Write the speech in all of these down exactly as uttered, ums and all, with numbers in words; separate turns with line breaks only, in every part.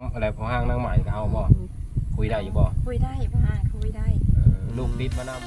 อะไรพอห้างนั่งใหม่ก็เอาบ่คุยได้อยู่บ่
คุยได้บ้างคุยได้
ลูกติดมานำ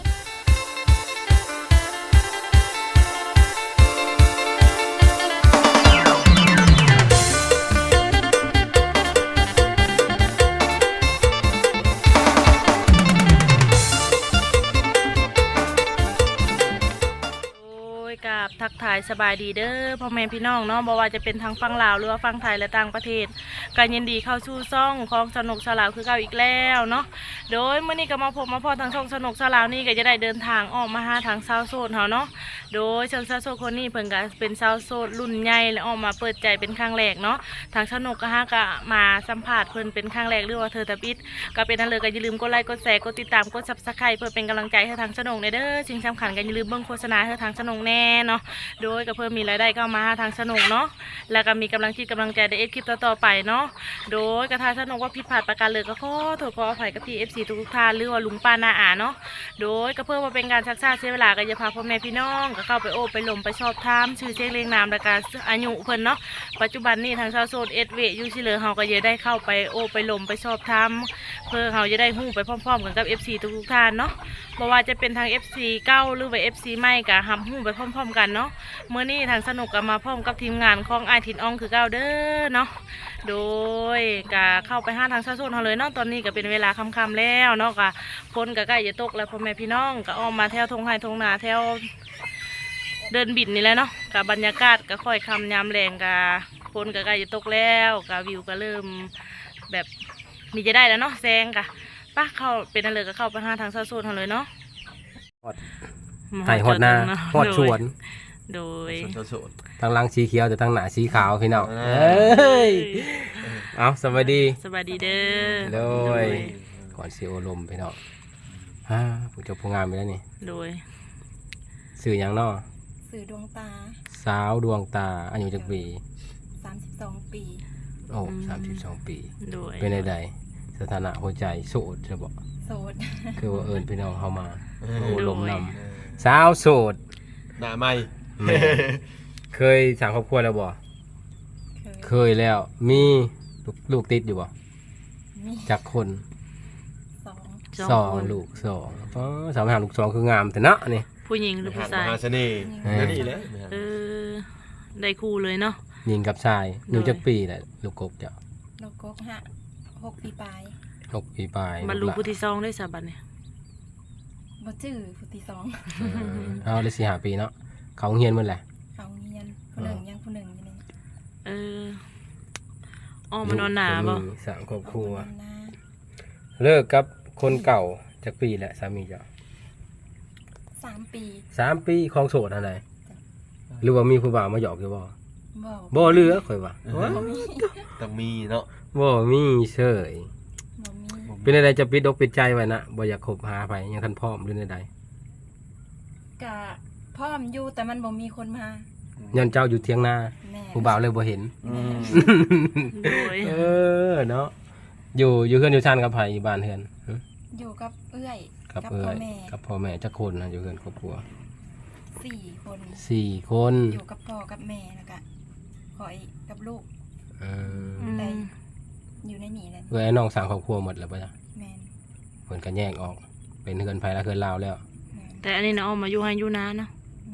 กับทักทายสบายดีเด้อพ่อแม่พี่น้องเนาะบ่ว่าจะเป็นทางฝั่งลาวหรือว่าฝั่งไทยและต่างประเทศการยินดีเข้าสู่ซ่องของสนุกสลาวคือเก่าอีกแล้วเนาะโดยเมื่อนี้ก็มาพบมาพอทางช่องสนุกสลาวนี่ก็จะได้เดินทางออกมาหาทางชาวโซนเฮาเนาะโดยชาวโซนคนนี้เพิ่นก็เป็นชาวโซนรุ่นใหญ่และออกมาเปิดใจเป็นครั้งแรกเนาะทางสนุกก็ฮะก็มาสัมภาษณ์เพิ่นเป็นครั้งแรกหรือว่าเธอตะปิดก็เป็นนั่นเลยก็อย่าลืมกดไลค์กดแชร์กดติดตามกด ซับสไครบ์ เพื่อเป็นกำลังใจให้ทางสนุกในเด้อสิ่งสำคัญก็อย่าลืมเบิ่งโฆษณาให้ทางสนุกแน่เนาะโดยก็เพิ่มมีรายได้เข้ามาทางสนุกเนาะแล้วก็มีกำลังจิตกำลังใจในเอฟคลิปต่อๆไปเนาะโดยกระทาสนุกว่าผิดพลาดประการเลยก็ขอโทษขออภัยกับพี่เอฟซีทุกท่านหรือว่าลุงป้านาอาเนาะโดยก็เพื่อมาเป็นการชักชาเสียเวลาก็จะพาพ่อแม่พี่น้องก็เข้าไปโอบไปลมไปชอบทามชื่อเสียงเรียงนามและการอายุเพิ่นเนาะปัจจุบันนี้ทางชาวโซนเอสเวยูชิเลอเฮาก็จะได้เข้าไปโอบไปลมไปชอบทามเพื่อเฮาจะได้หู้ไปพร้อมๆกันกับเอฟซีทุกท่านเนาะเพราะว่าจะเป็นทางเอฟซีเก้าหรือว่าเอฟซีใหม่ก็หำหู้ไปพร้อมๆกันเนาะเมื่อนี้ทางสนุกก็มาพร้อมกับทีมงานของไอทินอองคือเก้าเด้อเนาะโดยก็เข้าไปห้าทางชาโซนเขาเลยเนาะตอนนี้ก็เป็นเวลาค่ำๆแล้วเนาะก็ฝนก็ใกล้จะตกแล้วพ่อแม่พี่น้องก็ออกมาแถวทงไห้ทงนาแถวเดินบินนี่แหละเนาะกับบรรยากาศก็ค่อยคำยามแรงก็ฝนก็ใกล้จะตกแล้วก็วิวก็เริ่มแบบมีจะได้แล้วเนาะแซงก็ป้าเข้าเป็นอะไรก็เข้าไปห้าทางชาโซนเขาเลยเนาะ
ไห่หดนาหดชวน
โดย
ทั้งลังสีเขียวแต่ทั้งหนาสีขาวพี่น้องเอ้ยเอาสวัสดี
สวัสดีเด้อ
โดยก่อนซีโอลมพี่น้องฮ่าผู้เจ้าผู้งามไปแล้วนี่
โดย
สื่ออย่างนอ
สื่อดวงตา
สาวดวงตาอายุจักปี
สามสิบสองปี
โอ้สามสิบสองปี
โดย
เป็นใดสถานะหัวใจโสดจะบอก
โสด
คือว่าเอิญพี่น้องเข้ามาโอ้ลมนำสาวโสด
หน้าไม่
เคยสั่งครอบครัวแล้วบ่เคยแล้วมีลูกติดอยู่บ่จากคน
สอง
สองลูกสองอ๋อสามหาลูกสองคืองามแต่เนาะนี่
ผู้หญิงหรือผู้ชาย
มหาเสน่ห์นั่นนี่แหละ
เออได้คู่เลยเนาะ
หญิงกับชายอยู่จักปีแหละลูกกบเจ้า
ลูกกบฮะหกปีปลาย
หกปีปลาย
บรรลุผู้ที่สองได้สาบันเนี่ย
บ่จื้อผู้ที่สอง
เอาได้สี่ห้าปีเนาะเขาเฮียนเมื่อไหร่
เขาเฮียนผู้หนึ่งยังผู้หนึ่งอยู่นี่
เอออ้อมานอนหนาบ่
สามครอบครัวเลิกกับคนเก่าจากปีแหละสามีเจ้า
สามปี
สามปีของโสดอะไรหรือว่ามีผู้บ่าวมาหยอกอยู่บ่
บ่
บ่เลือค่อยว่า
ต้องมีเนาะ
บ่มีเฉยเป็นอะไรจะปิดอกปิดใจไว้นะบ่อยากคบหาไปยังทันพร้อมหรือใด
กะพร้อมอยู่แต่มันบ่มีคนมา
ยันเจ้าอยู่เทียงนาผู้บ่าวเลยบ่เห็นเออเนาะอยู่อยู่เฮือนอยู่ชานกับไผอยู่บ้านเฮือน
อยู่กับเอื้อย
กับเอื้อยกับพ่อแม่จักคนนะอยู่เฮือนครอบครัว
สี่คน
สี่คน
อยู่กับพ่อกับแม่แล้วก็ขอยกับลูก
เออ
แต่อยู่ในนี่แหละ
เอื้อยน้องสร้างครอบครัวหมดแล้วป่ะจ๊ะ
แม่น
เพิ่นก็แยกออกเป็นเฮือนไผละเฮือนลาวแล้ว
แต่อันนี้นะออกมาอยู่ให้อยู่นานนะ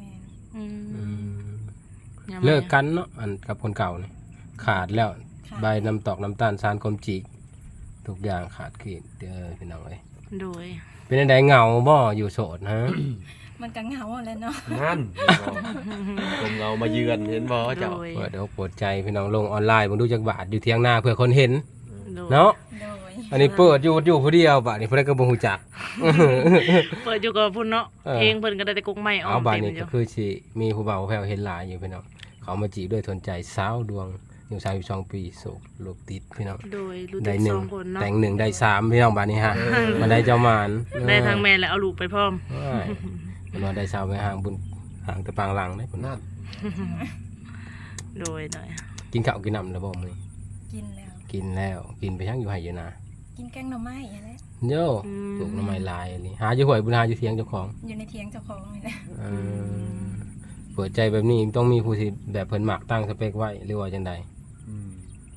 เลิกกันเนาะอันกับคนเก่าเนี่ยขาดแล้วใบน้ำตอกน้ำตาลซานกลมจีกทุกอย่างขาดขีดเด้อพี่น้องเอ้ย
โดย
เป็นอะไรเหงาบ่อยู่โสดฮะ
มันก็เหงาเลยเนาะ
นั่นผมเงามาเยือนเห็นบ่เจ้า
เปิดอกเปิดใจพี่น้องลงออนไลน์มึงดูจักบาทอยู่เที่ยงหน้าเพื่อคนเห็นเนาะอันนี้เปิดอยู่อยู่ผู้เดียวบาทนี่เพิ่นก็บ่ฮู้จัก
เปิดอยู่กับพุ่นเนาะเพลงเพิ่นก็ได้แต่กุ๊กไม้ออก
เอาบาทนี้ก็คือสิมีผู้บ่าวแพ้วเห็นหลายอยู่พี่น้องเขามาจีบด้วยทนใจสาวดวงอยู่สามสิบสองปีโสดโลกติดพี่น้อง
โดยรู้จักสองคนเนาะ
แต่งหนึ่งได้สามพี่น้องบาทนี้ฮะมาได้เจ้ามาร
ได้ทางแม่แล้วเอาลูกไปพร้อม
มันว่าได้สาวไปห่างบุญห่างแต่ปางหลังได้ผลนั่น
โดยหน่อย
กินข้าวกินน้ำแล้วบ่มื้อ
กินแล้ว
กินแล้วกินไปทั้งอยู่ไห้อยู่นา
กินแกงหน่อไม้อะไร
โย่ปลูกหน่อไม้ลายนี่หาอยู่ห้วยบุญหาอยู่เทียงเจ้าของ
อยู่ในเทียงเจ้าของนี่แหละ
เปิดใจแบบนี้ต้องมีผู้ที่แบบเพิ่นหมักตั้งสเปคไว้หรือว่าจังใด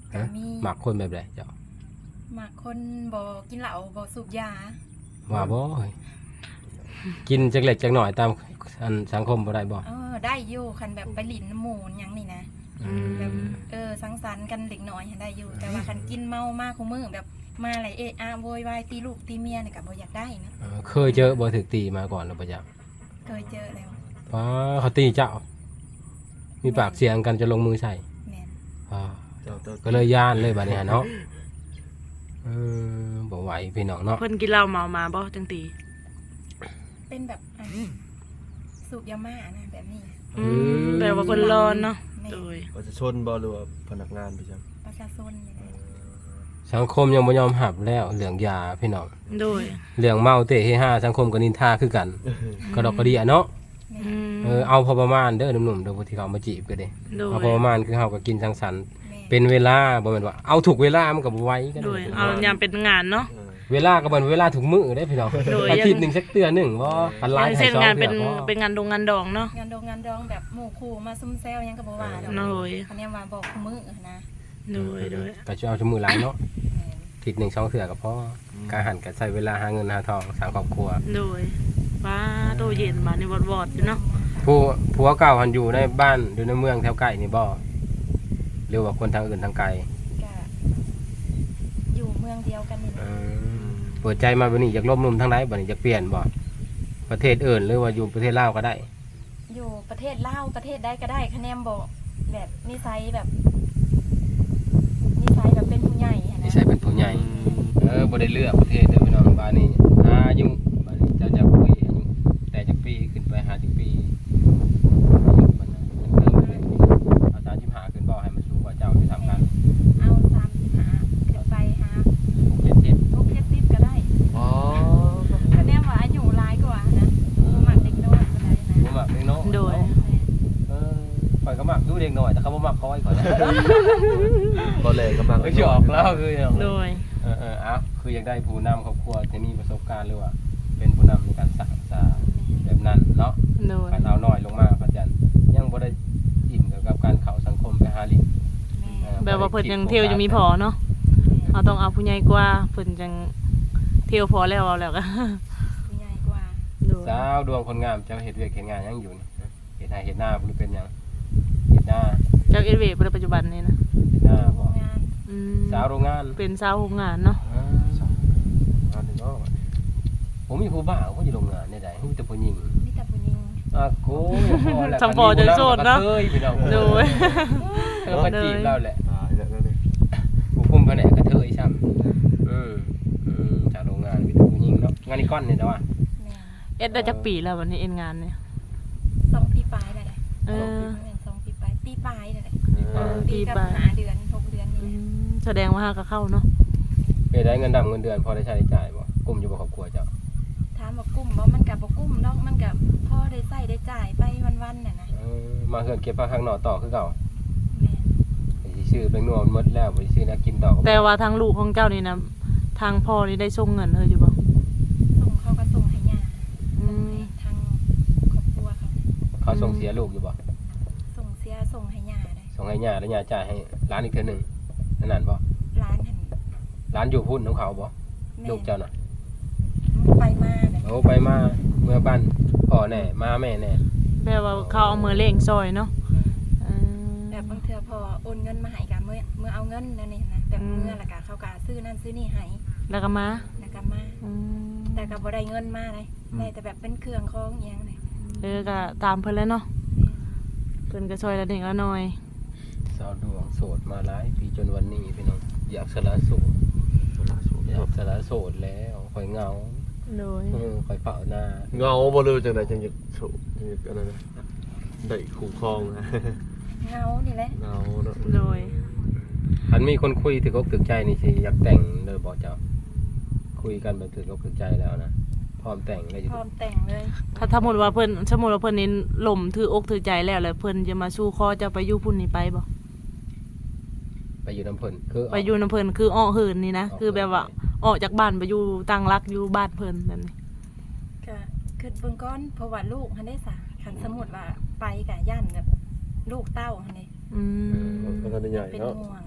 ก็
ฮะ
มี
หมักคนแบบใดเจ้า
มักคนบ่กินเหล้าบ่สูบยา
ว่าบ่เฮ้ยกินจักเล็กจักหน่อยตามอันสังคมบ่ได้บ่
เออได้อยู่คันแบบไปหลินน้ำหมูนหยังนี่นะ
อืม
แบบเออสังสรรค์กันเด็กน้อยหั้นได้อยู่ แต่ว่าคันกินเมามากคุมือแบบมาอะไรเอะอะโวยวายตีลูกตีเมียนี่ก็บ่อยากได้นะ
เออเคยเจอบ่ถูกตีมาก่อนหรือบ่จัก
เคยเจอแล้ว
อ๋อเขาตีเจ้า มีปากเสียงกันจะลงมือใส่
แม่น
อ่า
เจ้าตัว
ก็เลยย่านเลยบัดนี้ฮะเนาะเออบ่ไหวพี่น้องเนาะ
เพิ่นกินเหล้าเมามาบ่จังตี
เป็นแบบอ่ะสูบยาม่านะแบบนี้
อืมแบบว่าเพิ่นร้อนเนาะ
แม่
โดย
ประชาชนบ่หรือว่าพนักงานไปจัง
ประชาชนนี่แหละ
สังคมยังบ่ยอมหับแล้วเรื่องยาพี่น้อง
โดย
เรื่องเมาเตะเฮฮาสังคมก็นินทาคือกันกระดอกกระเดียเนาะ
แม่
อืม
เออเอาพอประมาณเด้อหนุ่มๆเด้อผู้ที่เขามาจีบก็เด้
โดย
เอาพอประมาณคือเฮาก็กินสังสรรค์
แม่
เป็นเวลาบ่แม่นว่าเอาถูกเวลามันก็บ่ไหวกัน
โดยเอายามเป็นงานเนาะ
เออ
เวลาก็บ่เวลาถูกมื้อได้พี่น้อง
โดย
อาทิตย์หนึงสักเตือหนึงบ่พันหลาย
อย่าง
ให้
เช่น
สอง
งาน
เทื่
เป็น
อบ่
เป็นงานดงงานดองเนาะ
งานดองงานดองแบบหมู่คู่มาซุ่มแซวหยังก็บ่ว่าดอก
โดย
อันเนี้ยว่าบอกคุมือนะ
โดยโดย
ก็จะเอาชั่วมือหลายเนาะ
แม่น
อาทิตย์หนึงสองเทื่อก็พอการหันก็ใช้เวลาหาเงินหาทองสร้างครอบครัว
โดยว้าโตเย็นบาดนี่วอดๆอยู่เนาะ
ผู้ผัวเก่าหันอยู่ในบ้านหรือในเมืองแถวใกล้นี่บ่หรือว่าคนทางอื่นทางไกล
ก็อยู่เมืองเดียวกันนี่แห
เอ
ละ
อเปิดใจมาบัดนี้อยากลบนุ่มทางใดบัดนี้อยากเปลี่ยนบ่ประเทศอื่นหรือว่าอยู่ประเทศลาวก็ได้
อยู่ประเทศลาวประเทศใดก็ได้คะแนนบอกแบบนิสัยแบบนิสัยแบบเป็นผู้ใหญ่หั้น
นิ
นะ
สัยเป็นผู้ใหญ่ เออบ่ได้เลือกประเทศเด้อพี่น้องบ้านนี้อายุบ้านนี้เจ้าจะคุยอายุแต่จักปีขึ้นไปห้าสิบปีอายุมันนะมันเติมเลยเอาสามสิบห้าขึ้นบ่ให้มันสูงกว่าเจ้าที่ทำกัน
เอาสามสิบห้าขึ้นไปหา
หกเจ็ดสิบ
พวกเจ็ดสิบก็ได้
อ๋อ
คะแนนว่าอายุร้ายกว่านะบ่มักเด็กน้อยก็ได้นะ
บ่มักเด็กน้อย
โดย
เออข่อยก็มักอยู่เด็กน้อยแต่เขาบ่มักคอยข่อยนะ
บ่แลก็มัก
ไอ้ที่ออกแล้วคืออย่าง
โดย
เออเออเอาคืออยากได้ผู้นำครอบครัวที่มีประสบการณ์หรือว่าเป็นผู้นำในการสร้างสาแบบนั้นเนาะ
โดย
การเอาน้อยลงมาพระจันทร์ยังบ่ได้อิ่มเกี่ยวกับการเข้าสังคมไปหาลิน
แม่
เออ
แบบว่าเพิ่นยังเที่ยวยังมีพอเนาะเอาต้องเอาผู้ใหญ่กว่าเพิ่นจังเที่ยวพอแล้วเอาแล้วก็
ผู้ใหญ่กว่า
โดย
สาวดวงคนงามเจ้าเฮ็ดเวียกเฮ็ดงานยังอยู่นี่เฮ็ดนาเฮ็ดนาบ่รู้เป็นหยังเฮ็ดนา
จากเอเวในปัจจุบันนี้นะ
เฮ็ดนาบ่
งาน
อืม
สาวโรงงาน
เป็นสาวโรงงานเนาะ
อ่า
งานนี่เนาะ
ผมมีผู้บ่าวเขาอยู่โรงงานได้ๆฮู้แต่ผู้หญิง
มีแต่ผู้หญิง
อ่ะโกพอแล้ว
สังพอจะโสดเนาะ
เคยพี่น้อง
โดย
เธอมาจีบเราแหละ
ตายแล้วนั่นนี่
ผู้คุมแผนกกระเทยซ้ำอืมอืมจากโรงงานมีแต่ผู้หญิงเนาะงานนี้ก้อนนี่แต่ว่า
แม่
เอ็ดได้จักปีแล้ววันนี้เอ็นงานเนี่ย
สองปีปลายเลยแหละ
เออ
แม่นสองปีปลายปีปลายเลยแหละ
เออ
ปีกับ
ปีปลาย
หาเดือนหกเดือน
อื
นี่
มแสดงว่าหาก็เข้าเนาะ
ไปได้เงินดำเงินเดือนพอได้ใช้ได้จ่ายบ่กลุ่มอยู่บ่ครอบครัวเจ้า
ถามว่ากุ้มบ่มันกับบ่กุ้มดอกมันกับพ่อได้ใส่ได้จ่ายไปวันๆน่ะนะ
เออมาเฮือนเก็บผ้าข้างนอกต่อคือเก่า
แม่น
ไอ้สิชื่อเป็นนัวมันหมดแล้วบ่สิชื่อแนักกินต่อก็บ่
แต่ว่าทางลูกของเจ้านี่นะทางพ่อนี่ได้ส่งเงินเธออยู่บ่
ส่งเขาก็ส่งให้ย่า
อืม
ทางครอบครัวเขา
เขาส่งเสียลูกอยู่บ่
ส่งเสียส่งให้ย่าเลย
ส่งให้ย่าแล้วย่าจ่ายให้ร้านอีกเทื่อหนึงนั่นนั่นบ่
ร้านหัน
ร้านอยู่พุ่นของเขาบ่
แม่
ลูกเจ้าน่ะ
ไปมาเลย
โอ้ไปมาเมื่อบ้านพ่อแน่มาแม่แน่
แปลว่าเขาเอามือเล่งซอยเนาะเออ
แบบบางเทื่อพอโอนเงินมาให้กับเมื่อเมื่อเอาเงินนั่นนี่นะแบบ
อืม
เมื่อและกะเขากะซื้อนั่นซื้อนี่ให้
แล้วก็มา
แล้วก็มา
อืม
แต่ก็บ่ได้เงินมาเลยได้แต่แบบเป็นเครื่องของอหยังเลย
เออก็ตามเพิ่นแล้วเนาะเพิ่นก็ซอยละเด็กละน้อย
สาวดวงโสดมาหลายปีจนวันนี้พี่น้องอยากสละโสด
สละโสด
อยากสละโสดแล้วข่อยเหงา
โดย
เออข่อยเผาหน้า
เงาบ่รู้จังได๋จังอยากโสดจังอยากอันนั้นนะได้คู่ครองนะ
เงานี่แหละ
เงาเนาะ
โดย
อันมีคนคุยถือกอกถือใจนี่สิอยากแต่งเลยบอกเจ้าคุยกันแบบถือกอกถือใจแล้วนะพร้อมแต่งเลยอยู่
พร้อมแต่งเลย
ถ้าสมมุติว่าเพิ่นสมมุติว่าเพิ่นนี่หล่มถืออกถือใจแล้วแล้วเพิ่นจะมาสู้คอเจะไปอยู่พุ่นนี่ไปบ่
ไปอยู่น้ำเพิ่นคือ
ไปอยู่นำเพิ่นคืออ้อเหินนี่นะ
ออก
คือแบบว่าออกจากบ้านไปอยู่ตั้งรักอยู่บ้านเพิ่นแบบนี้
ก็คือเบิ่งก้อนเพราะว่าลูกหันได้สะคันสมมุติว่าไปกะย่านแบบลูกเต้าหันนี่
อืม
ก็ทันได้ใหญ่
เป็น
เนาะ
ห่วง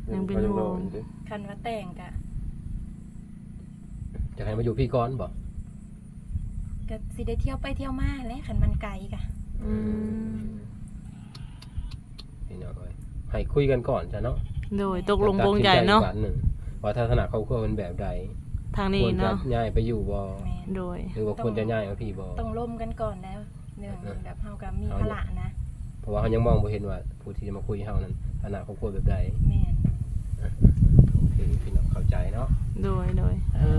ยังเป็น
ขา
ห่วง
รออยู่เด้
คันว่าแต่งกะ
จะให้มาอยู่พี่ก่อนบ่
ก็สิได้เที่ยวไปเที่ยวมาแหละคันมันไกลกะ
อืม
พี่น้องเอ้ยให้คุยกันก่อนจ้ะเนาะ
โดยตกลงปลงใจเนาะ
ตัดสินใจอีกวันหนึ่งว่าทัศนะครอบครัวเป็นแบบใด
ทาง
ค
นี้
วรจะ
เนาะ
ย้ายไปอยู่บ่
แม่น
โดย
หรือว่าควรจะย้ายมาพี่บ่
ต้องร่วมกันก่อนแล้วเรื่องแบบเฮาก็มีภาระนะ
เพราะว่าเขายังมองบ่เห็นว่าผู้ที่จะมาคุยเฮานั้นฐานะครอบครัวแบบใด
แม่น
โอเคพี่น้องเข้าใจเนาะ
โดยโดย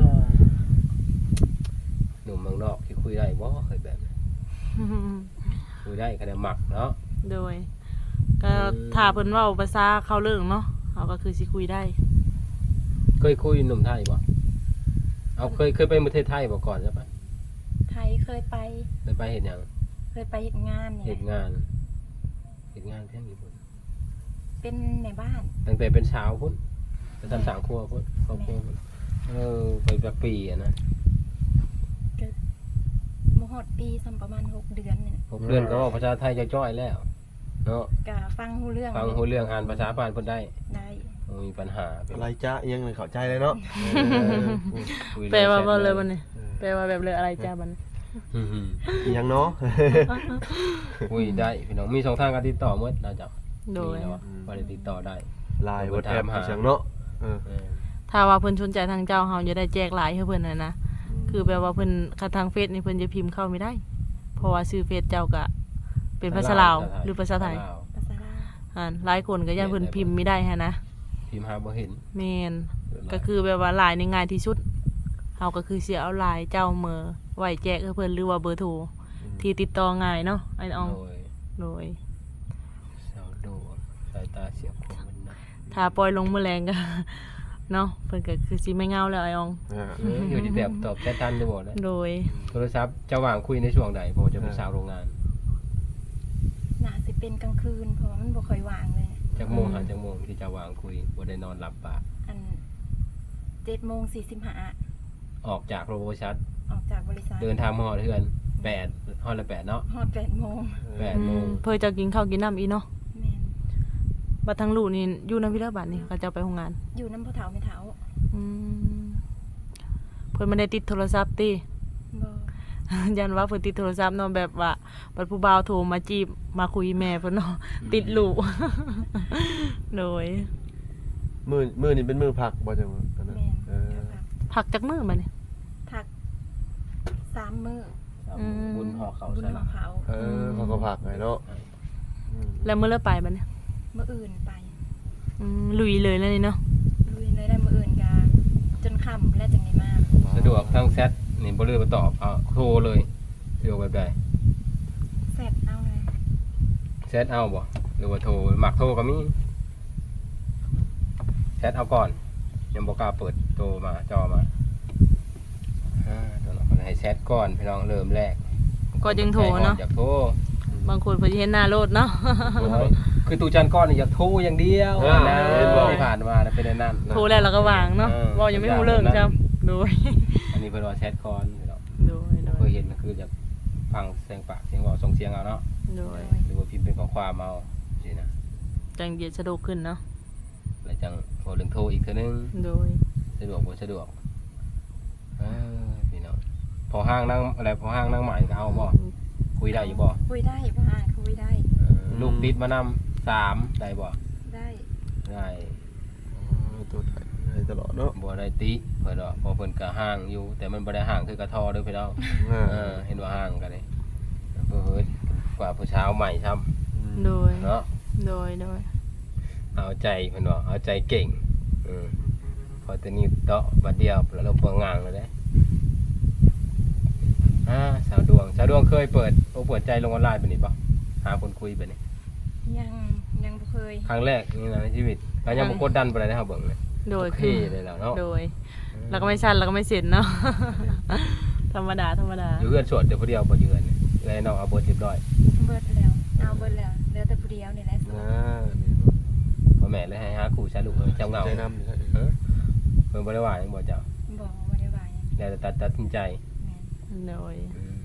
หนุ่มเมืองนอกที่คุยได้บ่เคยแบบนี้คุยได้คะแนนหมักเนาะ
โดยก็ถ้าเพิ่นเว้าภาษาเข้าเรื่องเนาะเฮาก็คือสิคุยได้
เคยคุยหนุ่มไทยบ่เอาเคยเคยไปประเทศไทยบ่ก่อนใช่ปะ
ไทยเคยไป
เคยไปเห็นหยัง
เคยไปเฮ็ดงานนี่
เห็น
แหละ
งานเห็นงานเที่ยงญี่ปุ่น
เป็นในบ้าน
ตั้งแต่เป็นสาวพุ่นไปทำสางครัวพุ่นครอบครัวพุ่นเออไปแบบปีอะนะ
บ่ฮอดปีซ้ำประมาณหกเดือนนี่นะ
หกเดือนก็เว้าภาษาไทยจะจ้อยแล้วเนาะ
ก็ฟังรู้เรื่อง
ฟังรู้เรื่องอ่านภาษาบ้านเพิ่นได้
ได้
บ่มีปัญหาเป็น
อะไรจ้ายังเข้าใจเลยเนาะ
คุยเรื่อง
แปลว่าบ่
แชท
เลยบัดนี้แปลว่าแบบเลยอะไรจ้าบัดนี้
อืม
อีหยังเนาะ
ๆคุยได้พี่น้องมีสองทางการติดต่อหมดนะจ๊ะ
โดย
มีแล้วอะว่าได้ติดต่อได้
ไลน์ WhatsApp อีหยังเนาะเออ
เออ
ถ้าว่าเพิ่นสนใจทางเจ้าเฮาจะได้แจกหลายให้เพิ่นน่ะนะคือแบบว่าเพิ่นคันทางเฟซนี่เพิ่นจะพิมพ์เข้าไม่ได้ เพราะว่าชื่อเฟซเจ้าก็เป็นภาษาลาวหรือภาษาไทย
ลว
ภาษาลาว
อ่าหลายคนก็ย่านเพิ่นพิมพ์ไม่ได้ฮะนะ
พิมพ์หาบ่เห็น
แม่นก็คือแบบว่าหลายนี่ง่ายที่สุดเฮาก็คือสิเอาหลายเจ้าเมอไว้แจกให้เพิ่นหรือว่าเบอร์โทรที่ติดต่อง่ายเนาะไอ้ออง
โดย
โดย
สาวโดดสายตาเสียบคมมันนะ
ถ้าปล่อยลงมื้อแรงก็ เนาะเพิ่นก็คือสิไม่เหงาแล้วไอ้ออง
อ่า
เอออยู่ที่แบบตอบแชททันหรือบ่นะ
โดย
โทรศัพท์จะว่างคุยในช่วงใดผมจะเป็นสาวโรงงาน
น่าสิเป็นกลางคืนเพราะว่ามันบ่ค่อยวางเลย
จากโมงหาจากโมงที่จะวางคุยบ่ได้นอนหลับปาก
อันเจ็ดโมงสี่สิบห้า
ออกจากโรโบชัด
ออกจากบริษัท
เดินทางมาฮอดเฮือนแปดฮอดละแปดเนาะ
ฮอดแปดโมง
แปดโมง
เพิ่นจะกินข้าวกินน้ำอีเนาะ
แม่น
บัดทางลูกนี่อยู่นำพี่เด้อบัดนี่เขาจะเอาไปโรงงาน
อยู่น้ำพ่อเฒ่าไม่เฒ่า
อืมเพิ่นไม่ได้ติดโทรศัพท์ติ
บ่
ยันว่าเพิ่นติดโทรศัพท์เนาะแบบว่าบัดผู้บ่าวโทรมาจีบมาคุยแม่เพิ่นเนาะติดลูก โดย
มื้อมื้อนี้เป็นมื้อพักบ่จังว่าอันนั้น
แม่น
เออ
ก็พัก
พักจักมื้อบัดนี่
พักสามมื้อ
อืม
บุญห่อเขา
บุญ
ใช่
ข
ไหม
องเขา
เออเขาก็พักไงเนาะอืม
แล้วมื้อละไปบัดนี่
มื้ออื่นไป
อืมลุยเลยแล้วนี่เนาะ
ลุยเลยได้มื้ออื่นก็จนค่ำแล้วจังได้มา
สะดวกทางแชทนี่บ่เลือกมาตอบเอาโทรเลยสะดวกแบบใด
แซ่บเอาเลย
แชทเอาบ่หรือว่าโทรหมักโทรก็มีแชทเอาก่อนยังบ่กล้าเปิดโทรมาจอมาอ่าตัวน้องคนให้แชทก่อนพี่น้องเริ่มแรก
ก็จึงโทรเนาะ
อยากโทร
บางคนเพิ่นสิเห็นหน้าโลดเนาะ
โอ้ยคือตูจันก้อนนี่อยากโทรอย่างเดียว
อ่า
นะ
เห็นบ่
ที่ผ่านมานะเป็นอันนั่น
โทรแล้วเราก็วางเนาะ
เออ
เว้ายังไม่รู้เรื่องจ้ะโดย
อันนี้เป็นว่าแชทก่อนพี่น้อง
โดยโด
เค
ย
ยเห็นก็คือจะฟังเสียงปากเสียงเว่าส่งเสียงเอาเนาะ
โดย
หรือว่าพิมพ์เป็นข้อความเอาสินะ
จังเย็นสะดวกขึ้นเนาะ
แล้วจังโทรเรื่องโทรอีกเทื่อนึง
โดย
สะดวกบ่สะดวกเออพี่น้องพอห้างนั่งอะไรพอห้างนั่งใหม่ก็เอาบ่คุยได้อยู่บ่
คุยได้บ่ห่างคุยได้
เออลูกติดมานำสามได้บ่
ได้
ได้
อ๋อตัวไทยให้ตลอดเนาะ
บ่ได้ติเพิ่นว่าเพอเพิ่นก็ห่างอยู่ แต่มันบ่ได้ห่างคือกระทอเด้อพี่น้อง
อ่า
เออเห็นว่าห่างกันเลยเพิ่นเฮ้ยกว่าผู้เช้าใหม่ซ้ำ
โดย
เนาะ
โดยโดย
เอาใจเพิ่นว่าเอาใจเก่งอืมพอตัวนี้เตาะบัดเดียวแล้วเราเปิงงางเลยเด้อ่าสาวดวงสาวดวงเคยเปิดโอ้เปิดใจลงออนไลน์ไปนี่ป่ะหาคนคุยไปนี่
ยังยังบ่เคย
ครั้งแรกนี่นะในชีวิตก็ยังบ่กดดันปานใดนะครับเบิ่งเลย
โดย
โอเค
คือ
เลยแล้วเนาะ
โดย แล้วก็ไม่สั้นแล้วก็ไม่เสร็จเนาะ ธรรมดาธรรมดา
อยู่เฮือนโสดเดี๋ยวผู้เดียวบ่อยู่เฮือนเลยน้องเอาเบิดเรียบร้อย
เบิดแล้วเอาเบิดแล้วเหลือแต่ผู้เดียวนี่แหละ
อ่านี่เนาะ
พ่อแม่เลยให้หาคู่ใช้ลูกเอ้ยเจ้าเหงา
ใจนำใช่
เออเพิ่นบ่ได้ว่าหยังบ่เจ้า
บอกบ่ได้ว่าหยัง
แล้วแต่ตัดตัดสินใจ
แม่น
โดย
อืม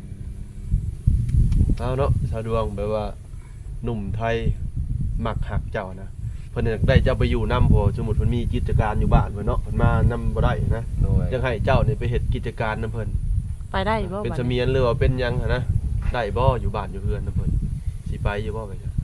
เอาเนาะชาวดวงแบบว่าหนุ่มไทยมักหักเจ้านะเพิ่นอยากได้เจ้าไปอยู่นำพอสมมุติเพิ่นมีกิจการอยู่บ้านเพิ่นเนาะเพิ่นมานำบ่ได้นะ
โดย
จังให้เจ้านี่ไปเฮ็ดกิจการนำเพิ่น
ไปได้บ่
เป็น
บัด
เสมี
นี้
ยนหรือว่าเป็นหยังหันนะได้บ่อยู่บ้านอยู่เฮือนนำเพิ่นสิไปอยู่บ่ไปจ้ะ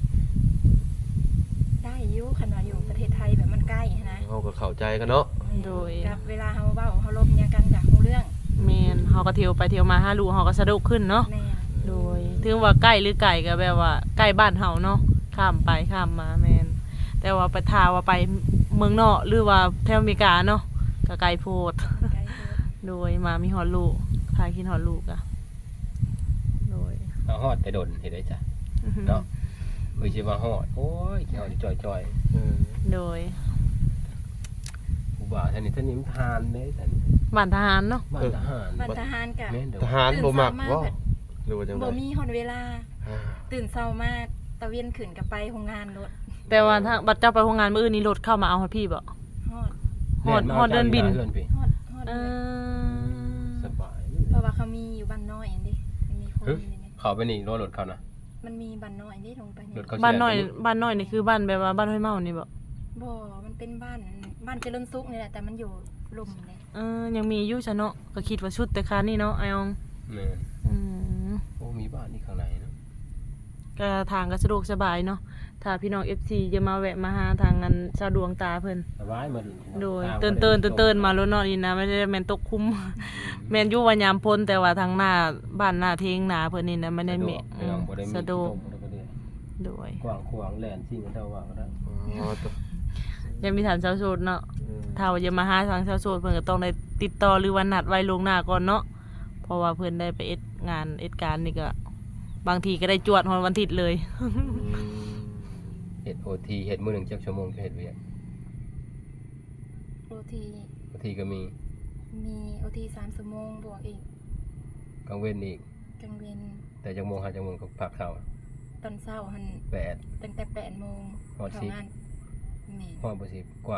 ได้อยู่คันว่าอยู่ประเทศไทยแบบมันใกล้นะ
เฮาก็เข้าใจกันเนาะ
โดย
กับเวลาเฮาเว้าเฮาลมยังกันจากฮู้เรื่อง
แม่นเฮาก็เที่ยวไปเที่ยวมาหาลูกเฮาก็สะดวกขึ้นเนาะ
แม่น
โดยถึงว่าใกล้หรือไกลก็แบบว่าใกล้บ้านเฮาเนาะข้ามไปข้ามมาแม่นแต่ว่าไปทาว่าไปเมืองนอกหรือว่าแถวอเมริกาเนาะก็ไกลโพด
ใกล้เพิ่น
โดยมามีฮอดลูกพาคิดฮอดลูกอะโดย
เอาฮอดไปดนเฮ็ดได้จ้ะเนาะเอ้ยสิว่าฮอดโอ้ยเฮาจ่อย
เออ
โดย
ๆผู้บ่าวท่านนี้ท่านนี้มันทานเด้ท่าน
บ้านทหารเนาะ
บ้านทหาร
บ้านทหารกะ
แม่นเด้อ
ทหารบ่มักบ่หรือว่าจังได๋
บ่มีฮอดเวลา
อ่า
ตื่นเช้ามาตะเวียนขึ้นก็ไปโรงงานรถ
แต่ว่าถ้าบัดเจ้าไปโรงงานมื้ออื่นนี่รถเข้ามาเอาฮอดพี่บ่
ฮอด
ฮอดฮอดเดินบิน
เดินพี่
ฮอดฮอด
เอ
เลย
อ
สบาย
เพราะว่าเขามีอยู่บ้านน้อยอันนี้มันมีคน
หึ
อยู่ในนี้
เขาไปนี่รถรถเขานะ
มันมีบ้านน้อยอันนี้ลงไปนี่
รถเขา
บ้านน้อยบ้านน้อยนี่คือบ้านแบบว่าบ้านห้วยเมานี่บ่
บ่มันเป็นบ้านบ้านเจริญสุขนี่แหละแต่มันอยู่ลุ่มนี่
เออยังมีอยู่ซะเนาะก็คิดว่าชุดแต่คานี่เนาะไอ้ออง
แม่น
อืม
โอ้มีบ้านนี่ข้างในเนาะ
ก็ทางก็สะดวกสบายเนาะถ้าพี่น้อง เอฟ ซี จะมาแวะมาหาทางงานชาวดวงตาเพิ่น
สบายมาดิ
โดยเตือนเตือนเตือนเตือนมาแล้วเนาะนี่นะไม่ได้แม่นตกคุ้ม แม่นอยู่ว่ายามพ้นแต่ว่าทางหน้าบ้านหน้าเทงหน้าเพิ่นนี่นะไม่ได้แม่อืมสะดวกโดย
กว้างขวางแลนสิ่งกันเท่าว่าก็ได้
อ๋อตัว
ยังมีฐานชาวโสดเนาะ
เออ
ถ้าว่าจะมาหาทางชาวโสดเพิ่นก็ต้องได้ติดต่อหรือว่านัดไว้ล่วงหน้าก่อนเนาะเพราะว่าเพิ่นได้ไปเอ็ดงานเอ็ดการนี่ก็บางทีก็ได้จวดฮอดวันอาทิตย์เลย
อืม
เฮ็ด โอ ที เฮ็ดมื้อหนึงจักชั่วโมงจะเฮ็ดเวียก
โอที
โอ ที ก็มี
มีโอทีสามชั่วโมงบวกอีก
กลางเว้นอีก
กลางเวียน
แต่จักโมงหาจักโมงก็พักเช้า
ตอนเช้าหัน
แปด
ตั้งแต่แปดโมง
ฮอด
เข้า
สิบ
งานแม่
ฮอดบ่สิบกว่า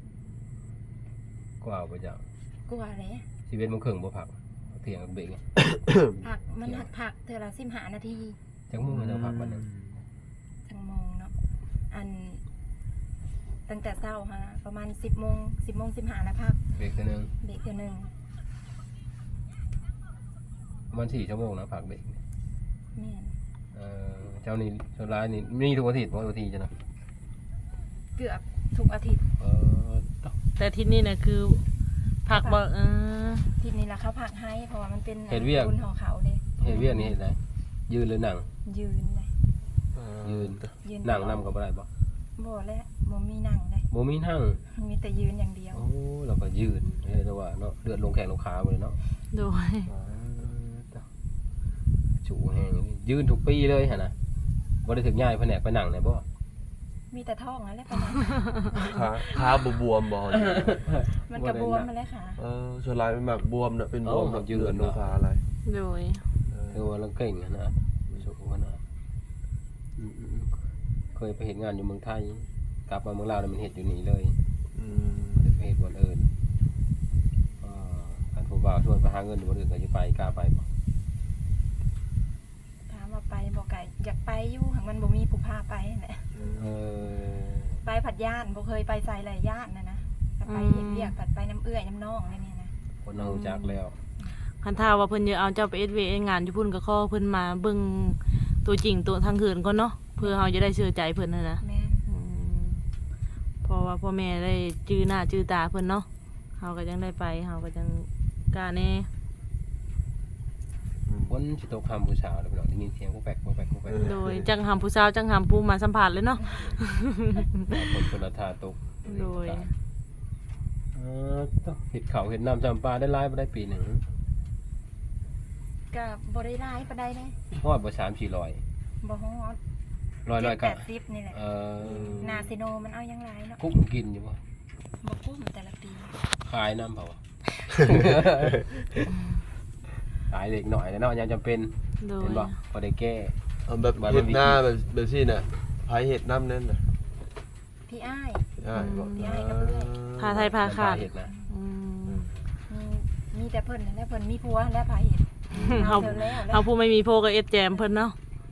กว่าบ่จัก
กลัวเลย
สิบเอ็ดโมงครึ่งบ่พักเที่ยงก็เบรกไง
ผักมันหักผักเธอละสิบห้านาที
จักโมงจะพักวันหนึง
จังโมงเนาะอัน ตั้งแต่เช้าฮะประมาณสิบโมงสิบโมงสิบห้าแล้วพัก
เบรกเทื่อนึง
เด็กเดียวหนึ่ง
ประมาณสี่ชั่วโมงนะพักเบรก
แม่น
เอ่อเจ้านี่ส่วนร้ายนี่มีทุกอาทิตย์บ่โอทีจ้ะนะ
เกือบทุกอาทิตย์
เออต้อง
แต่ที่นี่นะคือผักบ่เออ
ทีนี้ละเขาผักให้เพราะว่ามันเป็น
เฮ็ดเวียก
บุญของเขาเลย
เฮ็ดเวียกนี่เฮ็ดได้ยืนหรือนั่ง
ยืนเลย
ยืน
ยืน
นั่งนำก็บ่ได้บ่
บ่และบ่มีนั่งเลย
บ่มีนั่ง
มีแต่ยืนอย่างเดียว
โอ้เราก็ยืนเฮ็ดแต่ว่าเนาะเลือดลงแข้งลงขาหมดเลยเนาะ
โดย
จูแห้งนี่ยืนทุกปีเลยหั่นน่ะบ่ได้ถึงย้ายแผนกไปนั่งได้บ่
มีแต่ท้องนั่นแหละประมาณ
ขาขาบวมๆบ่
มันกระบวมมาแล้วค่ะ
เออส่วนหลายมันมักบวมน่ะเป็นบวม
เอ้า
แบบ
ยืน
เลือดลงขาอะไร
โดย
เออ
คือว่าเราเก่งหั่นนะสู้หั่นน่ะอืมๆเคยไปเฮ็ดงานอยู่เมืองไทยกลับมาเมืองลาวแล้วมันเฮ็ดอยู่นี่เลย
อืม
บ่ได้ไปเฮ็ดบ่อนอื่นอ่าการผู้บ่าวชวนไปหาเงินอยู่บ่อนอื่นก็สิไปกล้าไปบ่
ถามว่าไปบ่ไก่อยากไปอยู่หากมันบ่มีผู้พาไปนั่นแหละ
เออ
ไปผัดย่านบ่เคยไปใส่หลายย่านนะนะแต่ไปเฮ็ดเวียกผัดไปน้ำเอื้อยน้ำนองนี่เนี่ยนะ
คนเรารู้จักแล้ว
คันถ้าว่าเพิ่นจะเอาเจ้าไปเอ็ดเวงานอยู่พุ่นก็ขอเพิ่นมาเบิ่งตัวจริงตัวทางคืนก่อนเนาะเพื่อเฮาจะได้เชื่อใจเพิ่นนั่นนะ
แม่น
อืมเพราะว่าพ่อแม่ได้จื้อหน้าจื้อตาเพิ่นเนาะเฮาก็ยังได้ไปเฮาก็ยังกล้าแน่
คนสิตกคำผู้สาวแล้วพี่น้องได้ยินเสียงกูแปลกกูแปลกกูแปลก
โดยจังหำผู้สาวจังหำผู้มาสัมผัสเลยเนาะ
คนคนละท่าตก
โดย
เออต้องเห็ดเขาเห็ดน้ำจำปลาได้หลายบ่ได้ปีหนึ่ง
ก็บ่ได้ร้ายปานใดเด้
ฮอดบ่สามสี่ร้อย
บ่ฮอด
ร้อยร้อย
แป
กะ
ดสิบนี่แหละ
เออ
นาซิโนมันเอายังหลายเนาะ
คุกกินอยู่บ่
บ่คุ้มแต่ละปี
ขายน้ำเปล่าวะ ขายเด็กหน่อยแล้วเนาะยังจำเป็น
โดย
เห็นบ่พอได้แก้
เอาแบบเห็ดหน้าแบบแบบซี่น่ะไผเห็ดน้ำนั่นน่ะ
พี่อ้าย
ได้บ่
พี่อ้ายกับเพื่อน
พาไทยพาขาด
เห็ดนะ
อืม
มีมีแต่เพิ่นนั่นแหละเพิ่นมีผัวและพาเฮ็ด
เฮา
เธอแล้วแล้ว
เฮาผู้ไม่มีโพก็เอ็ดแจมเพิ่นเนาะ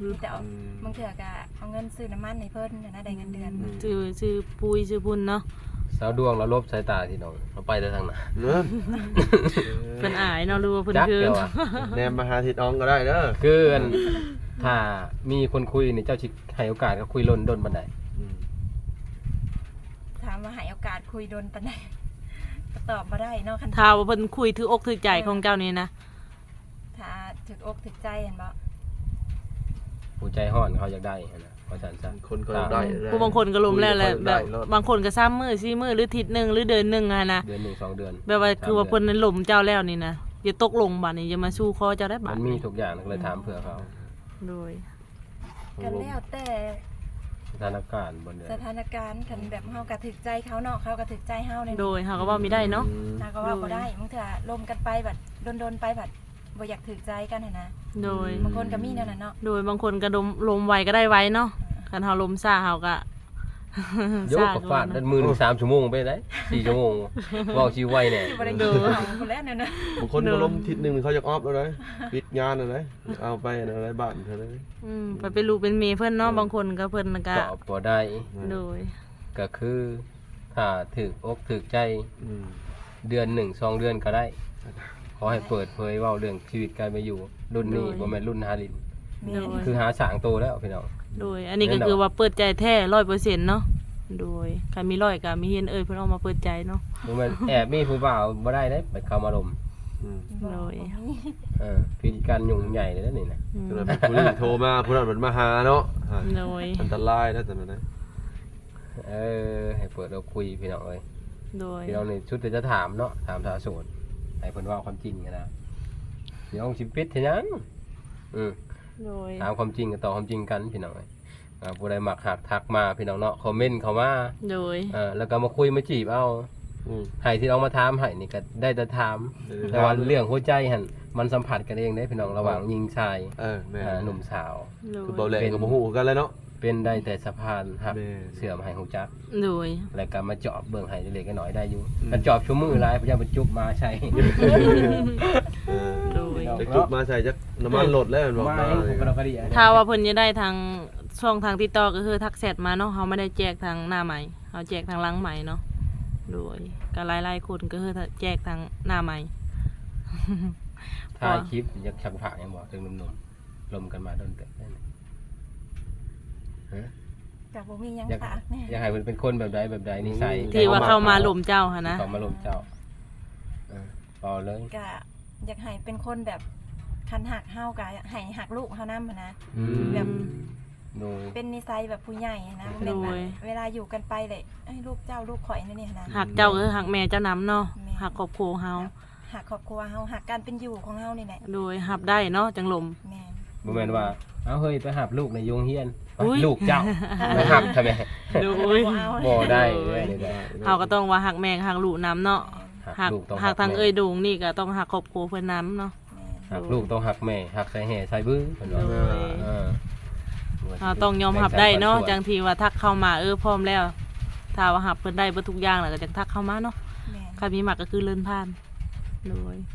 มีแต่เอาบางเถื่อก็เอาเงินซื้อน้ำมันให้เพิ่นน่ะนะได้เงินเดือน
ชื่อชื่อปุยชื่อบุญเนาะ
สาวดวงเราลบสายตาที่น้องเราไปแต่ทางไหน
เนาะ
เพิ่นอายเนาะรู้ว่าเพิ่น
จัก
คือ
เดียวอะ
แนมมาหาทิดอองก็ได้เด้อ
คืออันถ้ามีคนคุยนี่เจ้าชิให้โอกาสก็คุยล้นดนบันได
อืม
ถามว่าให้โอกาสคุยโดนปานใดก็ตอบบ่ได้เนาะคัน
ถ้าว่าเพิ่นคุยถืออกถือใจของเจ้านี่นะ
ถ้าถึกอกถึกใจเห็นบ่
ผู้ใจห้อนเขาอยากได้นะเพราะฉันซะ
คนก็ได้
ผู้บางคนก็ล้มแล้วแหละแบบ
คุยกั
บางคนก็ซ้ำมื้อสี่มื้อหรืออาทิศนึงหรือเดือนนึงอะนะ
เดือนหนึ่งสองเดือน
แบบว่าคือว่าเพิ่นนั้นล้มเจ้าแล้วนี่นะอย่าตกลงบัดนี้อย่ามาสู้คอเจ้าได้บั
มั
ด
นมีทุกอย่างก็เลยถามเผื่อเขา
โดย
ก็แล้วแต่
สถานการณ์บนเดือน
สถานการณ์คันแบบเฮาก็ถึกใจเขาเนาะเขาก็ถึกใจเฮาเนี่ย
โดยเฮาก็เว้ามีได้เนาะ
อืม
ถ้าก็ว่าบ่ได้บางเถื่อลมกันไปแบบโดนๆไปแบบบ่อยากถึกใจกันหั่นนะ
โดย
บางคนก็มีแนวนั้นเนาะ
โดยบางคนก็ลมลมไวก็ได้ไวเนาะคันเฮาลมซ่าเฮาก็
ยกกับฟาดด้านมือหนึ่งสามชั่วโมงไปได้สี่ชั่วโมงว่าวชีไวเนี่ย
สิบ่ได้กินข้าวคนแล้วเนี่ยนะ
บางคนก็ล้มทิศหนึงเขาจะออฟแล้วนะปิดงานแล้วนะเอาไปอะไรบ้านเท่านั้น
อืมไปเป็นลูกเป็นเมียเพิ่นเนาะบางคนก็เพิ่นก็
ก็พอได้
โดย
ก็คือถ้าถึกอกถึกใจ
อืม
เดือนหนึ่งสองเดือนก็ได้ ขอให้เปิดเผยเว่าเรื่องชีวิตการไปอยู่ รุ่นนี้บ่แม่นรุ่นฮาริน
แม่
โดย
คือหาสางโตแล้วพี่น้อง
โดย อันนี้ก็คือว่าเปิดใจแท้ ร้อยเปอร์เซ็นต์เนาะโดยใครมีร้อยก็มีเห็นเอ่ยเพิ่นเอามาเปิดใจเนาะ
บ่แม่นแอบมีผู้บ่าวบ่ได้เด้ไปเข้ามาลม
อืม
บ่
โดย
บ่มี
เออพิธีการยุ่งใหญ่เลยนะนี่นะ
อืม
ก็เลยเป็นผู้ที่โทรมาผู้นั้นมันมาหาเนาะอ่า
โดย
อันตรายนะแต่นั้นนะ
เออให้เปิดเราคุยพี่น้องเอ้ย
โดย
พี่น้องนี่ชุดเดี๋ยวจะถามเนาะถามสาวโสดให้เพิ่นเว่าความจริงกันนะพี่น้องสิปิดเท่านั้นอืม
โดย
ถามความจริงกันต่อความจริงกันพี่น้องเอ้ยอ่าผู้ใดมักหักทักมาพี่น้องเนาะคอมเมนต์เข้ามา
โดย
เออแล้วก็มาคุยมาจีบเอา
อืม
ให้ที่น้องมาถามให้นี่ก็ได้แต่ถาม
ได้แต่ถาม
แต่ว่าเรื่องหัวใจหั่นมันสัมผัสกันเองได้พี่น้องระหว่างหญิงชาย
เออแม่
อ่าหนุ่มสาว
โด
คือเบาย แหลกกับโมโหกันเลยเนาะ
เป็นได้แต่สะพานหัก
แม่
เสื่อมให้หูจัก
โดย
แล้วก็มาเจาะเบิ่งให้เล็กๆน้อยๆได้อยู่
อืม
มันเจาะชั่วมือหลายพยายามไปจุบมาใช่
เออ
โดย
จะจุกมาใส่จักน้ำมันหลดแล้วมันบอก
มา
มา
ให้ผมก็เราก็ดีอะ
ถ้าว่าเพิ่นจะได้ทางช่องทางติดต่อก็คือทักแชทมาเนาะเฮาไม่ได้แจกทางหน้าใหม่เฮาแจกทางหลังใหม่เนาะโดยก็หลายๆคนก็คือแจกทางหน้าใหม่
ถ่ายคลิปอยากชักผ่ายังบอกถึงหนุ่มๆลมกันมาโดนเตะได้ไหมฮะ
ก็บ่มีหยัง
อยาก
ฝากแน่
อยากให้มันเป็นคนแบบใดแบบใดนิสัย
ที่ว่าเข้ามาหลมเจ้าค่ะนะ
เข้ามาลมเจ้าเออต่อเลย
ก็อยากให้เป็นคนแบบคันหักเฮาก็ให้หักลูกเฮานำหั้นนะ
อืม
แบบ
โดย
เป็นนิสัยแบบผู้ใหญ่นะบ่แม่นว่าเวลาอยู่กันไปเลยไอ้ยลูกเจ้าลูกข่อยนั่นนี่หั้นนะ
หักเจ้าก็คือหักแม่เจ้าน้ำเนาะ
แม่
หักครอบครัวเฮา
หักครอบครัวเฮาหักการเป็นอยู่ของเฮานี่แหละ
โดยหับได้เนาะจังหลม
แม่น
บ่แม่นว่าเอาเฮ้ยไปหับลูกในโรงเรียนไป
อุ๊ย
ลูกเจ้าไปหับทำไม
โดย
บ่เอา
บ่ได้
โด
เลย ยได้
เฮาก็ต้องว่าหักแม่กับหักลูกน้ำเนาะ
หั
หั
ก
ก
ลูกต้อง
หักทาง
แม่
เอ้ยโดงนี่ก็ต้องหักครอบครัวเพิ่นน้ำเนาะ
แม่น
หักลูกต้องหักแม่หักใส่แห่ใส่บื้อเพิ่นว่า
โดย
เออ
เราต้องยอมหับได้เนาะจังทีว่าทักเข้ามาเออพร้อมแล้ว ถ้าว่าหับเพิ่นได้เบ่ทุกอย่างแล้วก็จังทักเข้ามาเนาะ
แม่น
ใครมีหมักก็คือเลื่อนผ่านโดย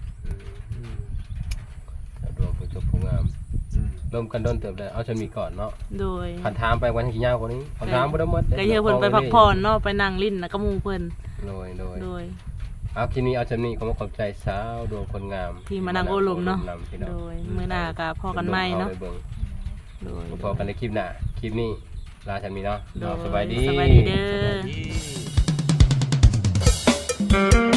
ดวงผู้จบผู้งาม
อืม
ร่วมกันโดนเติบได้เอาฉันมีก่อนเนาะ
โดย
คันถามไปวันที่ยาวกว่านี้คันถามบ่ได้หมด
ก็เยอะเพิ่นไปพักผ่อนเนาะไปนั่งลิ้นนะก็หมู่เพิ่น
โดยโดย
โดย
เอาทีนี้เอาฉันนี่ขอมาขอบใจสาวดวงคนงาม
ที่มานั่งโอลมเนาะ
โอพี่น้อง
โดยมื้อหน้าก็พอกันใหม่เนาะ
อไปบิ่ง
โดย
พอกันในคลิปหน้าคลิปนี้ลาฉันมีเนาะ
โดย
สบายดี
สบายดีเด้อ